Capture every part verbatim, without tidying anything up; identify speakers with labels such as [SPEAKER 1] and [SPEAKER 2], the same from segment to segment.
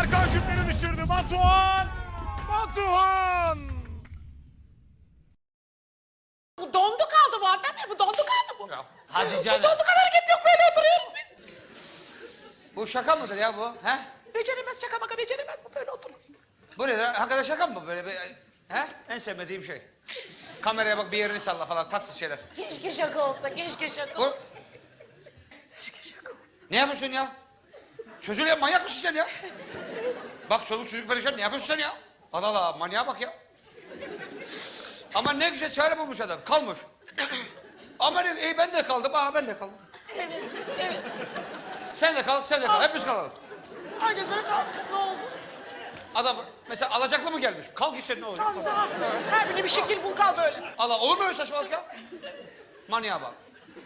[SPEAKER 1] Tarkan küpleri düşürdü. Batuhan! Batuhan!
[SPEAKER 2] Bu dondu kaldı bu Adnan Bey. Bu dondu kaldı bu.
[SPEAKER 3] Ya, hadi
[SPEAKER 2] Bu
[SPEAKER 3] canım.
[SPEAKER 2] dondu kaldı, hareket yok, böyle oturuyoruz biz.
[SPEAKER 3] Bu şaka mıdır ya bu? He?
[SPEAKER 2] Beceremez, şaka maka beceremez, bu böyle oturur.
[SPEAKER 3] Bu nedir? Hakikaten şaka mı bu böyle? Bir, he? En sevmediğim şey. Kameraya bak, bir yerini salla falan, tatsız şeyler.
[SPEAKER 2] Keşke şaka olsa, keşke şaka
[SPEAKER 3] Bu...
[SPEAKER 2] olsa. Keşke şaka olsa.
[SPEAKER 3] Ne yapıyorsun ya? Çocuğu ya, manyak mısın sen ya? Bak çoluk çocuk perişan, ne yapıyorsun sen ya? Allah Allah, manyağa bak ya. Ama ne güzel çare bulmuş adam, kalmış. Ama ne, iyi ben de kaldım, aha ben de kaldım.
[SPEAKER 2] Evet, evet.
[SPEAKER 3] Sen de kal, sen de kal, hepimiz kalalım.
[SPEAKER 2] Herkes böyle kalsın, ne oldu?
[SPEAKER 3] Adam mesela alacaklı mı gelmiş? Kalk gitsen ne olur?
[SPEAKER 2] Kalsın, haklı. Her birine bir şekil bul, kal böyle.
[SPEAKER 3] Allah, olur mu öyle saçmalık ya? Manyağa bak.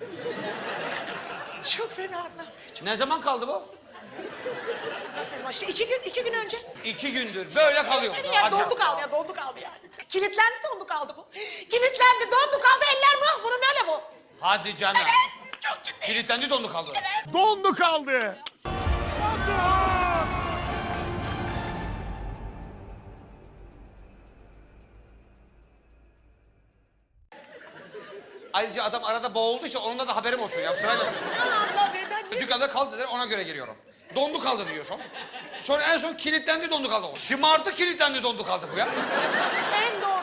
[SPEAKER 2] Çok fena Adnan Bey.
[SPEAKER 3] Ne zaman kaldı bu?
[SPEAKER 2] Çok... İşte iki gün, iki gün önce.
[SPEAKER 3] İki gündür böyle kalıyor.
[SPEAKER 2] Yani, yani
[SPEAKER 3] Hadi
[SPEAKER 2] dondu
[SPEAKER 3] canım.
[SPEAKER 2] kaldı ya, dondu kaldı yani. Kilitlendi, dondu kaldı bu. Kilitlendi, dondu kaldı, eller mah, bunun öyle bu.
[SPEAKER 3] Hadi canım.
[SPEAKER 2] Evet, çok ciddi.
[SPEAKER 3] Kilitlendi, dondu kaldı.
[SPEAKER 1] Dondu kaldı. Batuhan!
[SPEAKER 3] Ayrıca adam arada boğulduysa onunla da haberim olsun ya. Sırayla söyle.
[SPEAKER 2] Ya Allah Bey, ben niye...
[SPEAKER 3] Dükkanda kaldı dediler, ona göre giriyorum. Dondu kaldı diyor son. Sonra en son kilitlendi, dondu kaldı. Şımardı, kilitlendi, dondu kaldı bu ya.
[SPEAKER 2] En doğru